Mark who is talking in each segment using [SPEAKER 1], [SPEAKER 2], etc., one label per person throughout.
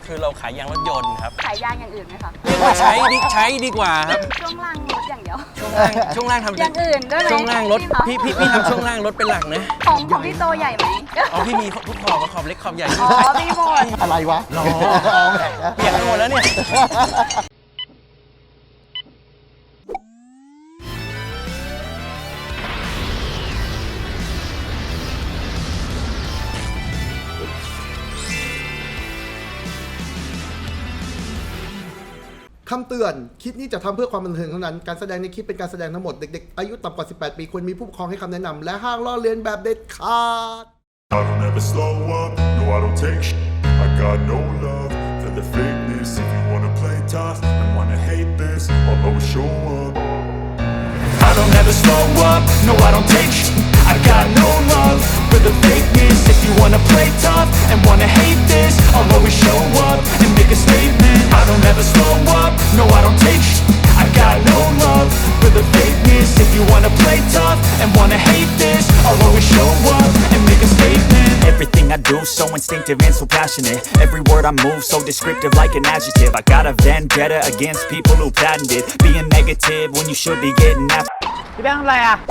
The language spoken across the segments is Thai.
[SPEAKER 1] คือเราขายยางรถยนต์ครับ
[SPEAKER 2] ขายยางอย่างอื่นไหมคะ
[SPEAKER 1] เรียกว่าใช้ดีกว่าครับ
[SPEAKER 2] ช่วงล่างรถอย่างเดียว
[SPEAKER 1] ช่วงล่างทำ
[SPEAKER 2] อย่างอื่นด้วยไหม
[SPEAKER 1] ช่วงล่างรถพี่ทำช่วงล่างรถเป็นหลักนะ
[SPEAKER 2] ของพี่โตใหญ่ไหม
[SPEAKER 1] อ๋อพี่มีทุกขอบเล็กขอบใหญ่
[SPEAKER 2] อ๋อมีหมด
[SPEAKER 3] อะไรวะ
[SPEAKER 1] รอเปลี่ยนหมดแล้วเนี่ย
[SPEAKER 3] คำเตือนคลิปนี้จะทำเพื่อความบันเทิงเท่านั้นการแสดงในคลิปเป็นการแสดงทั้งหมดเด็กๆอายุต่ำกว่า18ปีควรมีผู้ปกครองให้คำแนะนำและห้ามล้อเลียนแบบเด็ดขาด
[SPEAKER 4] I don't ever slow up, no I don't take shit. I got no love for the fakeness. If you wanna play tough and wanna hate this, I'll always show up. I don't ever slow up, no I don't take shit. I got no love for the fakeness. If you wanna play tough and wanna hate this, I'll always show up and make a statement. I don't ever slow up, no I don't take shit. I got no love for the fakeness. If you wanna play tough and wanna hate this, I'll always show up and make a statement.
[SPEAKER 5] Everything I do so instinctive and so passionate. Every word I move so descriptive like an adjective. I got a vendetta against people who patented being negative when you should be getting after.
[SPEAKER 6] พี่แบงค์ทำอะไรอ่ะ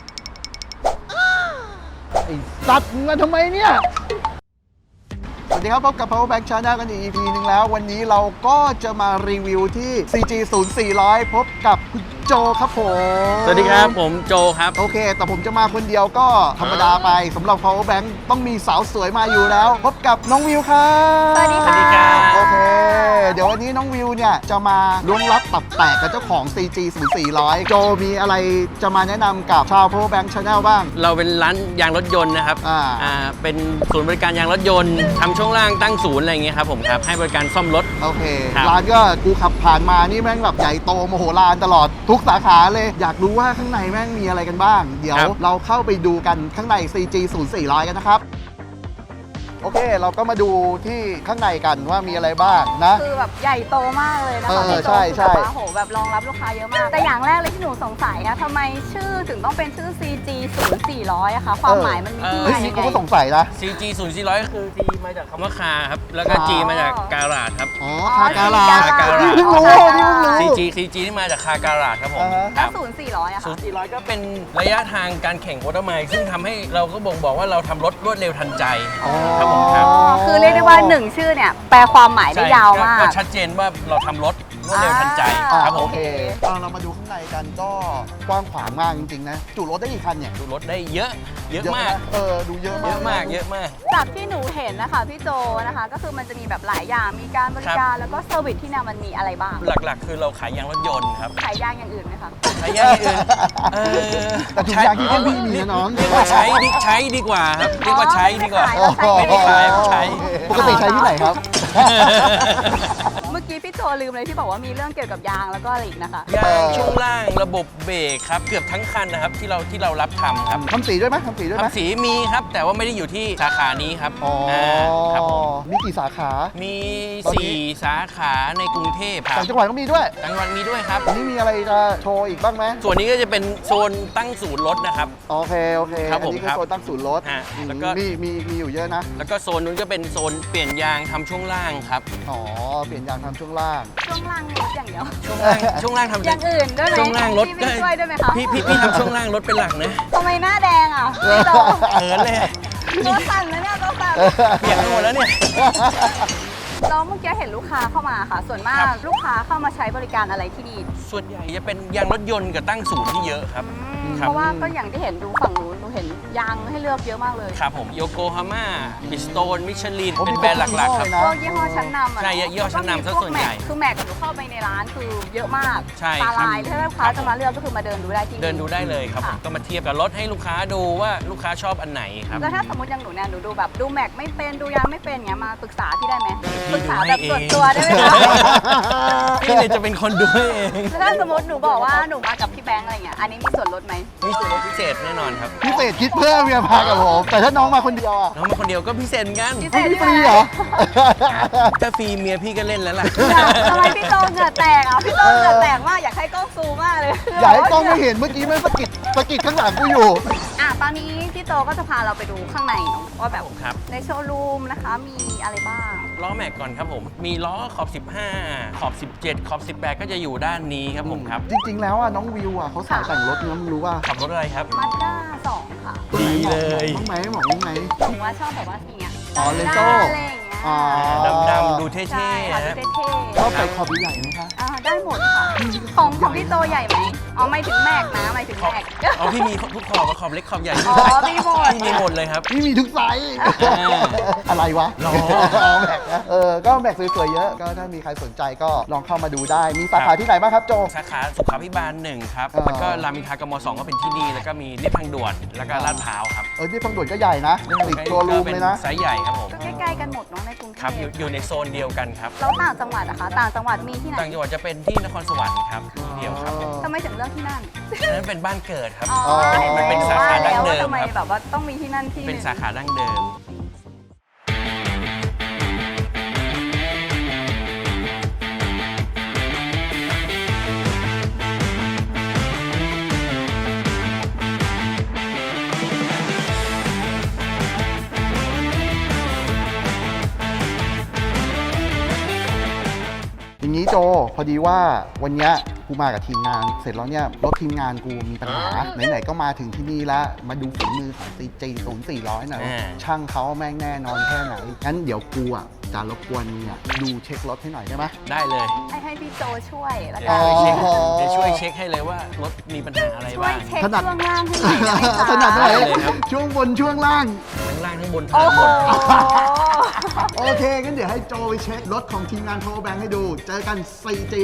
[SPEAKER 3] ไอ้สัตว์มึงมาทำไมเนี่ยสวัสดีครับพบกับ Power Bank Channel กันอีก EP นึงแล้ววันนี้เราก็จะมารีวิวที่ CG 0400พบกับคุณโจครับผม
[SPEAKER 1] สวัสดีครับผมโจครับ
[SPEAKER 3] โอเคแต่ผมจะมาคนเดียวก็ธรรมดาไปสำหรับ Power Bank ต้องมีสาวสวยมาอยู่แล้วพบกับน้องวิวครับ
[SPEAKER 2] สวัสดีค่ะ
[SPEAKER 3] โอเคเดี๋ยววันนี้น้องวิวเนี่ยจะมาล้วงลับตับแตกกับเจ้าของ CG 0400โจมีอะไรจะมาแนะนำกับชาว Power Bank Channel บ้าง
[SPEAKER 1] เราเป็นร้านยางรถยนต์นะครับเป็นศูนย์บริการยางรถยนต์ทำช่วงล่างตั้งศูนย์อะไรอย่างเงี้ยครับผมครับให้บริการซ่อมรถ
[SPEAKER 3] โอเคร้านก็กูขับผ่านมานี่แม่งแบบใหญ่โตมโหฬารตลอดทุกสาขาเลยอยากรู้ว่าข้างในแม่งมีอะไรกันบ้างเดี๋ยวเราเข้าไปดูกันข้างใน CG 0400กันนะครับโอเคเราก็มาดูที่ข้างในกันว่ามีอะไรบ้างนะ
[SPEAKER 2] คือแบบใหญ่โตมากเลยนะคะ
[SPEAKER 3] ใช่ใช่
[SPEAKER 2] โอ้โหแบบรองรับลูกค้าเยอะมากแต่อย่างแรกเลยที่หนูสงสัยอะทำไมชื่อถึงต้องเป็นชื่อ CG 0400อะคะความหมายมันมีที่มายังไง
[SPEAKER 3] กูก็สงสัยนะ
[SPEAKER 1] CG 0400ก็คือ G มาจากคำว่าคาครับแล้วก็ G มาจากการาดครับ
[SPEAKER 3] อ๋อคาการาด
[SPEAKER 1] นี่เพิ่งรู้ CG ที่มาจากคาการาดครับผม
[SPEAKER 2] แล้ว0400อะค่ะ
[SPEAKER 1] 0400ก็เป็นระยะทางการแข่งวอเตอร์ไมล์ซึ่งทำให้เราก็บ่งบอกว่าเราทำรถรวดเร็วทันใจครับผมครับ
[SPEAKER 2] คือเรียกได้ว่า1ชื่อเนี่ยแปลความหมายได้ยาวมาก
[SPEAKER 1] ก็ชัดเจนว่าเราทำรถรวดเร็วทันใจครับผม
[SPEAKER 3] โอเคเรามาดูข้างในกันก็กว้างขวางมากจริงๆนะจุรถได้กี่คันเนี่ย
[SPEAKER 1] จุรถได้เยอะมาก
[SPEAKER 3] ดูเยอะมาก
[SPEAKER 2] จากที่หนูเห็นนะคะพี่โจนะคะก็คือมันจะมีแบบหลายอย่างมีการบริการแล้วก็เซอร์วิสที่เนี่ยมันมีอะไรบ้าง
[SPEAKER 1] หลักๆคือเราขายยางรถยนต์ครับ
[SPEAKER 2] ขายยางอย่างอื่นไหมคะ
[SPEAKER 1] ขายยางอย่างอื่น
[SPEAKER 3] แต่ถุงยางที่พี่มีนะน้อง
[SPEAKER 1] เรียกว่าใช้ดีกว่าครับเรียกว่าใช้ดีกว่าไม่ได้ขายใช้
[SPEAKER 3] ปกติใช้ที่ไหนครับ
[SPEAKER 2] เมื่อกี้พี่โจลืมเลยที่บอกว่ามีเรื่องเกี่ยวกับยางแล้วก็อะไรอีกนะคะ
[SPEAKER 1] ยางช่วงล่างระบบเบรกครับเกือบทั้งคันนะครับที่เรารับทำครับ
[SPEAKER 3] ทำสีด้วยไหมทำ
[SPEAKER 1] สีมีครับแต่ว่าไม่ได้อยู่ที่สาขานี้ครับ
[SPEAKER 3] ครับมีกี่สาขา
[SPEAKER 1] มี4สาขาในกรุงเทพครับ
[SPEAKER 3] ต่างจังหวัดก็มีด้วย
[SPEAKER 1] ต่างจังหวัดมีด้วยครับ
[SPEAKER 3] วันนี้มีอะไรจะโชว์อีกบ้างไหม
[SPEAKER 1] ส่วนนี้ก็จะเป็นโซนตั้งศูนย์รถนะครับ
[SPEAKER 3] โอเค
[SPEAKER 1] ครับผม
[SPEAKER 3] นี่คือโซนตั้งศูนย์รถ
[SPEAKER 1] แล้วก็
[SPEAKER 3] มีอยู่เยอะนะ
[SPEAKER 1] แล้วก็โซนนู้นก็เป็นโซนเปลี่ยนยางทำช่วงล่างครับ
[SPEAKER 3] เปลี่ยนยางทำช่วงล่าง
[SPEAKER 2] รถอย่างเดียว
[SPEAKER 1] ช่วงล่างทำ
[SPEAKER 2] อย่างอื่นด้วยไหม
[SPEAKER 1] ช่วงล่างรถ
[SPEAKER 2] พี่ช่วยด้วยไหมคะ
[SPEAKER 1] พี่ทำช่วงล่างรถเป็นหลักนะ
[SPEAKER 2] ทำไมหน้าแดงอ่ะพี่โจ
[SPEAKER 1] เขินเลย
[SPEAKER 2] ตัวสั่นแล้วเนี่ยตัวสั่น
[SPEAKER 1] เปียกหมดแล้วเนี่ย
[SPEAKER 2] แล้วเมื่อกี้เห็นลูกค้าเข้ามาค่ะส่วนมากลูกค้าเข้ามาใช้บริการอะไรที่นี่
[SPEAKER 1] ส่วนใหญ่จะเป็นยางรถยนต์กับตั้งศูนย์ที่เยอะครับ
[SPEAKER 2] เพราะว่าก็อย่างที่เห็นดูฝั่งนู้นดูเห็นยางให้เลือกเยอะมากเลย
[SPEAKER 1] ครับผมโยโกฮาม่าบิสโตนมิชลินเป็นแบรนด์หลักๆครับ
[SPEAKER 2] พวกยี่ห้อชั้นนำ
[SPEAKER 1] ใช่ยี่ห้อชั้นนำซะส่วนใหญ่
[SPEAKER 2] คือแม็กกับหนูเข้าไปในร้านคือเยอะมากตาลายถ้าลูกค้าจะมาเลือกก็คือมาเดินดูได้ที่
[SPEAKER 1] เดินดูได้เลยครับก็มาเทียบกับรถให้ลูกค้าดูว่าลูกค้าชอบอันไหนครับ
[SPEAKER 2] แล้วถ้าสมมติอย่างหนูเนี่ยหนูดูแบบดูแม็กไม่เป็นดูยางไม่เป็นเงี้ยมาปรึกษาพี่ได้ไหมปรึกษาแบบส่วนตัวได้ไหมคะ
[SPEAKER 1] พี่เลยจะเป็นคนดูเอง
[SPEAKER 2] ถ้าสมมติหนูบอกว่าหนูมากับพี่แบงค์อะไรเงี้ยอันนี้มีส่วนลดไหม
[SPEAKER 1] มีส่วนลดพิเศษแน่นอนครับ
[SPEAKER 3] พิเศษคิดเพิ่มเมียพากับผมแต่ถ้าน้องมาคนเดียวอะ
[SPEAKER 1] น้องมาคนเดียวก็พิเศษกัน
[SPEAKER 2] พิเศษ
[SPEAKER 3] ฟรีเหรอ
[SPEAKER 1] ถ้าฟรีเมียพี่ก็เล่นแล้วล่ะ
[SPEAKER 2] ทำไมพี่โตเหงื่อแตกอ่ะพี่โตเหงื่อแตกมากอยากให้กล้องซูมมากเลย
[SPEAKER 3] อยากให้กล้องไม่เห็นเมื่อกี้มันสะกิดข้างหลังกูอยู่
[SPEAKER 2] ตอนนี้พี่โตก็จะพาเราไปดูข้างในว่าแบบ
[SPEAKER 1] ครับ
[SPEAKER 2] ในโชว์รูมนะคะมีอะไรบ้าง
[SPEAKER 1] ล้อแม็กก่อนครับผมมีล้อขอบ 15 ขอบ 17 ขอบ 18 ก็จะอยู่ด้านนี้ครับผมครับ
[SPEAKER 3] จริงๆแล้วอ่ะน้องวิวอ่ะเขาสายแต่งรถนะมึงรู้ว่า
[SPEAKER 1] ขับรถอะไรครับ
[SPEAKER 2] มาด้า2 ค่ะ
[SPEAKER 1] ดีเลย
[SPEAKER 3] บ้างไหมหมองไหม
[SPEAKER 2] ถึงว่าชอบแบบว่าอย่างเงี้ย
[SPEAKER 3] อ๋อเลโซ่
[SPEAKER 2] อะไรอย่างเงี้ย
[SPEAKER 3] อ๋อ
[SPEAKER 1] ดำๆดูเท่
[SPEAKER 2] ใช่
[SPEAKER 1] ๆ
[SPEAKER 2] ค่ะ
[SPEAKER 1] นะ
[SPEAKER 2] ดูเท่
[SPEAKER 3] ชอบใส่ขอบใหญ่ไหมคะ
[SPEAKER 2] ได้หมดค่ะ ของพี่โตใหญ่ไหมอ๋อไม่ถึงแม็กนะไม่ถึงแม็ก
[SPEAKER 1] อ๋อพี่มีทุกขอบขอบเล็กขอบใหญ่
[SPEAKER 2] อ๋อมีหมด
[SPEAKER 1] พี่มีหมดเลยครับ
[SPEAKER 3] นี่มีทุกไซส์
[SPEAKER 1] อ่า
[SPEAKER 3] อะไรวะ
[SPEAKER 1] ล้อ
[SPEAKER 3] แม็กนะก็แม็กสวยๆเยอะก็ถ้ามีใครสนใจก็ลองเข้ามาดูได้มีสาขาที่ไหนบ้างครับโจ
[SPEAKER 1] สาขาสุขาภิบาล1ครับ
[SPEAKER 3] อ่า
[SPEAKER 1] แล้วก็รามอินทรากม2ก็เป็นที่นี่ แล้วก็มีเรียบทางด่วน แล้วก็ลาดพร้าวครับ
[SPEAKER 3] ที่พังด่วนก็ใหญ่นะติดตัวรูมเลยนะ
[SPEAKER 1] ไซส์ใหญ่ครับผม
[SPEAKER 2] ก็ใกล้ๆกันหมดเนาะในกรุงเท
[SPEAKER 1] ครับ
[SPEAKER 2] พ
[SPEAKER 1] อยู่ในโซนเดียวกันครับ
[SPEAKER 2] แล้วต่างจังหวัดนะคะต่างจังหวัดมีที่ไหน
[SPEAKER 1] ต่างจังหวัดจะเป็นที่นครสวรรค์ครับที่เดียวครับ
[SPEAKER 2] ทำไมถึงเลือกที่นั่น
[SPEAKER 1] อันนั้นเป็นบ้านเกิดครับ
[SPEAKER 2] อ๋อ
[SPEAKER 1] มันเป็นสาขาดั้งเดิม
[SPEAKER 2] ว่าแล้วว่าทำไม
[SPEAKER 1] ครับ
[SPEAKER 2] แบบว่าต้องมีที่นั่นที่
[SPEAKER 1] เป็นสาขาดั้งเดิม
[SPEAKER 3] อย่างนี้โจพอดีว่าวันเนี้ยกูมากับทีมงาน เสร็จแล้วเนี่ยรถทีมงานกูมีปัญหาไหนๆก็มาถึงที่นี่แล้วมาดูฝีมือของ CG 0400หน่อยว่าช่างเขาแม่งแน่นอนแค่ไหนงั้นเดี๋ยวกูอ่ะจะรบกวนเนี่ยดูเช็ครถให้หน่อยได้ไหม
[SPEAKER 1] ได้เลย
[SPEAKER 2] ให้พี่โจช่วยแล้ว
[SPEAKER 1] เดี๋
[SPEAKER 2] กั
[SPEAKER 1] ยวน ช่วยเช็ค
[SPEAKER 3] อ๋อ
[SPEAKER 1] เดี๋ยวช่วยเช็คให้เลยว่ารถมีปัญหาอะไร
[SPEAKER 2] ช่วย
[SPEAKER 1] บ้าง
[SPEAKER 2] เช็ค
[SPEAKER 3] ถนัด
[SPEAKER 2] ช่วงล่างให้หน่อยได้ไหมคะ
[SPEAKER 3] ถนัดไหน
[SPEAKER 1] ได้เลยครับ
[SPEAKER 3] ช่วงบนช่วงล่าง
[SPEAKER 1] ทั้งล่างทั้งบน
[SPEAKER 2] โอ้
[SPEAKER 1] ทั้ง
[SPEAKER 2] โห
[SPEAKER 1] หมด
[SPEAKER 3] โอเคงั้นเดี๋ยวให้โจไปเช็ครถของทีมงาน Power Bank ให้ดู เจอกัน CG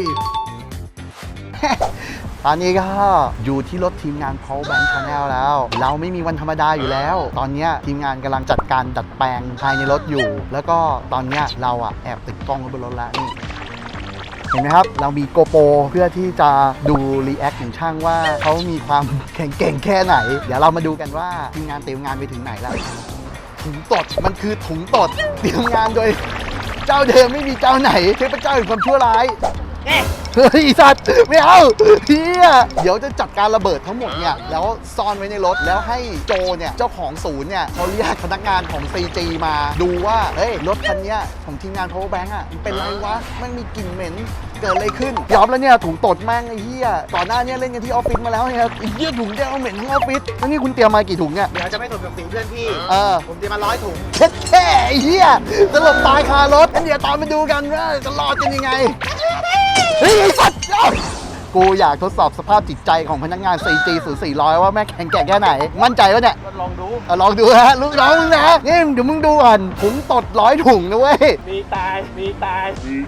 [SPEAKER 3] ตอนนี้ก็อยู่ที่รถทีมงาน Power Bank Channel แล้ว เราไม่มีวันธรรมดาอยู่แล้ว ตอนเนี้ยทีมงานกำลังจัดการดัดแปลงภายในรถอยู่ แล้วก็ตอนเนี้ยเราอะแอบติดกล้องไว้บนรถแล้วนี่ เห็นไหมครับ เรามีโกโปรเพื่อที่จะดูรีแอคของช่างว่าเขามีความแข็งเก่งแค่ไหน เดี๋ยวเรามาดูกันว่าทีมงานเตรียมงานไปถึงไหนแล้ว ถุงตดมันคือถุงตดเตรียมงานโดยเจ้าเดิมไม่มีเจ้าไหนเทพเจ้าแห่งความชั่วร้ายเฮ้ยสัตว์ไม่เอาเฮียเดี๋ยวจะจัดการระเบิดทั้งหมดเนี่ยแล้วซ่อนไว้ในรถแล้วให้โจเนี่ยเจ้าของศูนย์เนี่ยเขาเรียกพนักงานของ CG มาดูว่าเฮ้ยรถคันเนี้ยของทีมงาน Power Bank อ่ะมันเป็นไรวะมันมีกลิ่นเหม็นเกิดอะไรขึ้นยอมแล้วเนี่ยถุงตดแม่งไอ้เหี้ยก่อนหน้าเนี้เล่นกันที่ออฟฟิศมาแล้วเนี่ยไอ้เหี้ยถุงแก้วเหม็นทั้งออฟฟิศแล้วนี่คุณเตรียมมากี่ถุงเนี่ย
[SPEAKER 6] เดี๋ยวจะไม่ถูกกับสีเพื่อนพี่ ผมเตรียมมา100 ถุง
[SPEAKER 3] เช็ดแค่ไอ้เหี้ยสลบตายคารถงั้นเดี๋ยวตามไปดูกันว่าจะรอดกันยังไง เฮ้ยไอ้สัตว์เอ้ากูอยากทดสอบสภาพจิตใจของพนักงาน CG 0400ว่าแม่งแข็งแกร่งแค่ไหน มั่นใจปะเนี่ย
[SPEAKER 6] ลองดู
[SPEAKER 3] ลองดูฮะลูกน้องมึงนะนี่เดี๋ยวมึงดูก่อนถุงตด100 ถุงนะเว้ย
[SPEAKER 6] มีตาย มีตาย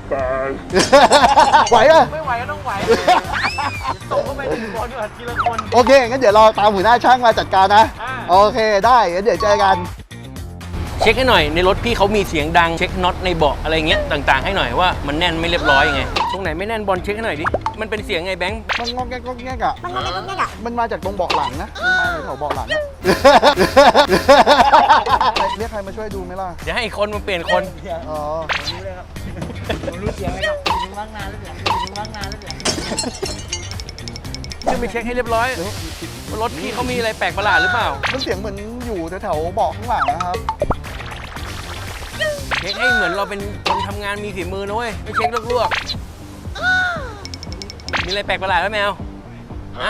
[SPEAKER 3] ไหวปะ
[SPEAKER 6] ไม่ไหวก็ต้องไหว ส่งเข้าไปทีละคนก่อนทีละคน
[SPEAKER 3] โอเคงั้นเดี๋ยวเราตามหัวหน้าช่างมาจัดการนะ
[SPEAKER 6] อ่า
[SPEAKER 3] โอเคได้งั้นเดี๋ยวเจอกัน
[SPEAKER 1] เช็คให้หน่อยในรถพี่เขามีเสียงดังเช็คน็อตในเบาะอะไรเงี้ยต่างๆให้หน่อยว่ามันแน่นไม่เรียบร้อยยังไงตรงไหนไม่แน่นบอลเช็คให้หน่อยดิมันเป็นเสียงไงแบงค์
[SPEAKER 3] มันงอกแงกงอกแงกอะมันมาจากตรงเบาะหลังนะมันมาจากแถวเบาะหลังอะ เรียกใครมาช่วยดูไหมล่ะ
[SPEAKER 1] เดี๋ยวให้อีกคนมาเปลี่ยนคน
[SPEAKER 3] อ๋อ
[SPEAKER 6] ผมรู้เสียงเลยครับถึงว่างนานแล้วเสียงถึงว่างนานแล้วเสียง
[SPEAKER 1] ขึ้นไปเช็คให้เรียบร้อยว่ารถพี่เขามีอะไรแปลกประหลาดหรือเปล่า
[SPEAKER 3] มันเสียงเหมือนอยู่แถวๆเบาะข้างหลังนะครับ
[SPEAKER 1] เช็คให้เหมือนเราเป็นคนทำงานมีฝีมือนะเว้ยไม่เช็คลวกๆมีอะไรแปลกประหลาดไหมแมวฮะ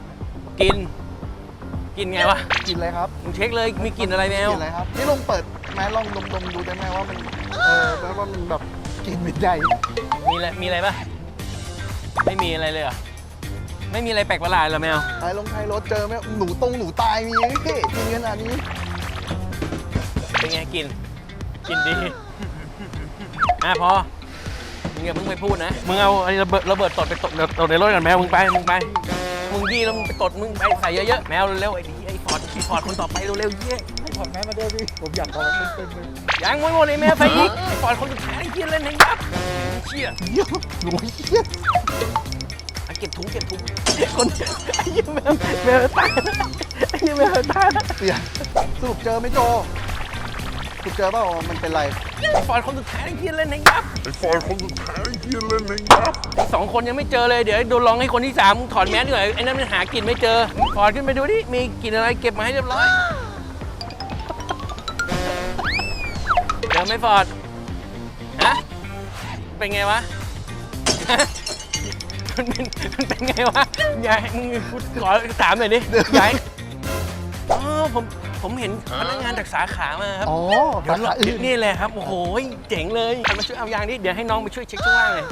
[SPEAKER 1] กินไงวะ
[SPEAKER 3] กินอะไรครับ
[SPEAKER 1] มึงเช็คเลยมีกลิ่นอะไรแมว
[SPEAKER 3] กินอะไรครับ นี่ลองเปิดแม้ลองดมดูได้ไหมว่ามันแปลว่ามันแบบกลินเป็นใจ
[SPEAKER 1] มีอะไรปะไม่มีอะไรเลยเหรอไม่มีอะไรแปลกประหลาดเหรอแมว
[SPEAKER 3] ท้ายรถเจอไหมหนูตายมีไหมพี่กินขนาดนี้
[SPEAKER 1] เป็นไงกินดีพอมึงอย่าเพิ่งไปพูดนะมึงเอาไอ้ระเบิดตดไปตดในรถกันแมวมึงไปมึงดีแล้วมึงไปตดมึงไปใส่เยอะๆแมวเร็วๆไอ้ฟอร์ดคนต่อไปเร็วๆเยี่ย
[SPEAKER 6] ถอดแมสมาด้วยพี่ ผมอยากขอมันเป็นเลย
[SPEAKER 1] ยังไม่หมดเลยแมวใส่อีกไอ้ฟอร์ดคนสุดท้ายไอ้เหี้ยเล่นให้ยับเชี่ย
[SPEAKER 3] เหี้ยหนูเหี้ย
[SPEAKER 1] เก็บถุงคนไอ้เหี้ยแมวตายไอ้เหี้ยแมวตาย
[SPEAKER 3] เสียสรุปเจอไหมโจสรุปเจอเปล่าว่ามันเป็นไร
[SPEAKER 1] ไอ้ฟอร์ดคนสุดท้ายไอ้เหี้ยเล่นให้ยับไอ้ฟอร์ดคนสุดท้ายไอ้เหี้ยเล่นให้ยับไอ้สองคนยังไม่เจอเลยเดี๋ยวโดนลองให้คนที่3มึงถอดแมสดีกว่าไอ้นั่นมันหากลิ่นไม่เจอฟอร์ดขึ้นไปดูดิมีกลิ่นอะไรเก็บมาให้เรียบร้อยอไม่ฟอร์ดฮะเป็นไงวะ มันเป็นไงวะยายมึงขอถามหน่อยดิยายอ๋อผมเห็นพนักงานจากสาขามาครับ
[SPEAKER 3] อ๋อ
[SPEAKER 1] เดี๋ยว
[SPEAKER 3] สาขาอื่น
[SPEAKER 1] นี่เลยครับโอ้โหเจ๋งเลยมาช่วยเอายางนี่เดี๋ยวให้น้องไปช่วยเช็คช่วงล่างเลย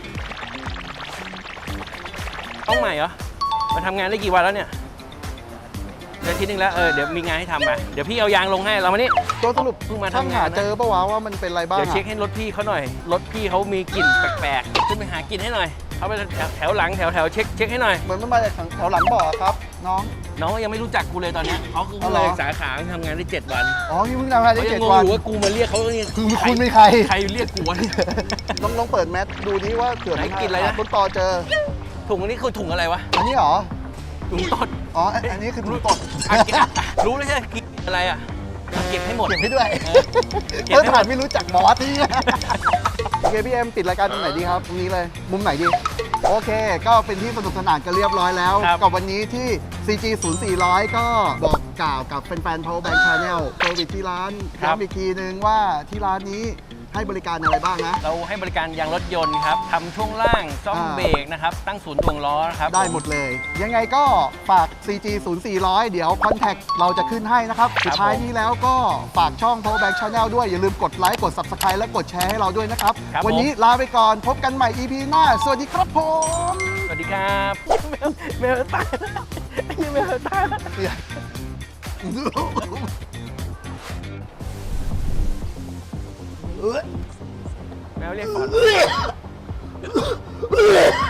[SPEAKER 1] ต้องใหม่เหรอมาทำงานได้กี่วันแล้วเนี่ยเดือนที่นึงแล้วเดี๋ยวมีงานให้ทำไปเดี๋ยวพี่เอายางลงให้เรามานี่
[SPEAKER 3] ตัวสรุป
[SPEAKER 1] เพิ่งมา
[SPEAKER 3] ช่าง
[SPEAKER 1] ทำ
[SPEAKER 3] หาง
[SPEAKER 1] านนะ
[SPEAKER 3] เจอปะวะว่ามันเป็นอะไรบ้าง
[SPEAKER 1] เดี๋ยว
[SPEAKER 3] อะ
[SPEAKER 1] เช็คให้รถพี่เขาหน่อยรถพี่เขามีกลิ่นแปลกๆขึ้นไปหากลิ่นให้หน่อยเขาไปแถวหลังแถวเช็คให้หน่อย
[SPEAKER 3] เหมือนมันมาจากแถวหลังบ่อครับ น้อง
[SPEAKER 1] น้องยังไม่รู้จักกูเลยตอนเนี้ยเขาคือ
[SPEAKER 3] อ๋อเหร
[SPEAKER 1] เล
[SPEAKER 3] อ
[SPEAKER 1] ยสาขาทำงานได้7 วัน
[SPEAKER 3] อ๋อพี่เพิ่งทำงานได้
[SPEAKER 1] เขายัง
[SPEAKER 3] 7
[SPEAKER 1] งง
[SPEAKER 3] วัน
[SPEAKER 1] อยู่ว่ากูมาเรียกเขาเนี่ย
[SPEAKER 3] คือคุณเป็นใคร
[SPEAKER 1] ใครเรียกกูวะเนี่ย
[SPEAKER 3] ลองเปิดแมสดูดิว่าเผื่อ
[SPEAKER 1] ไหน
[SPEAKER 3] มัน
[SPEAKER 1] กินอะไรนะ
[SPEAKER 3] ต้นตอเจอ
[SPEAKER 1] ถุงอันนี้คือถุงอะไรวะ
[SPEAKER 3] อันนี้เหรอ
[SPEAKER 1] ถุงตด
[SPEAKER 3] อ๋อ อันนี้คือถุงตด
[SPEAKER 1] อ่ะเก็บรู้แล้วใช่ไหมกินอะไรอ่ะเก็บให้หมด
[SPEAKER 3] เก็บให้ด้วย
[SPEAKER 1] เก็บ
[SPEAKER 3] เพื่อ
[SPEAKER 1] ให้หม
[SPEAKER 3] ถ่าย
[SPEAKER 1] ด
[SPEAKER 3] ไม่รู้จักบอสนี่ โอเคพี่เอ็มปิดรายการตรงไหนดีครับ ตรงนี้เลย มุมไหนดี โอเค ก็เป็นที่สนุกสนานกันเรียบร้อยแล้ว
[SPEAKER 1] ครับ
[SPEAKER 3] กับวันนี้ที่ CG 0400 ก็บอกกล่าวกับแฟนๆ Power Bank Channel เซอร์วิสที่ร้านย้ำอีกทีนึงว่าที่ร้านนี้ให้บริการอะไรบ้างนะ
[SPEAKER 1] เราให้บริการยางรถยนต์ครับทำช่วงล่างซ่อม
[SPEAKER 3] อ่า
[SPEAKER 1] เบรกนะครับตั้งศูนย์ถ่วงล้อนะครับ
[SPEAKER 3] ได้หมดเลย ยังไงก็ฝาก CG 0400 เดี๋ยวคอนแทคเราจะขึ้นให้นะครับ สุดท้ายนี้แล้วก็ฝากช่อง Power Bank Channel ด้วย อย่าลืมกดไลค์กด Subscribe และกดแชร์ให้เราด้วยนะครับ
[SPEAKER 1] ครับ
[SPEAKER 3] วันนี้ลาไปก่อนพบกันใหม่ EP หน้า สวัสดีครับผม
[SPEAKER 1] สวัสดีครับแมวตายแล้วไอ้เหี้ยแมวตายแล้วแมวเรียกก่อน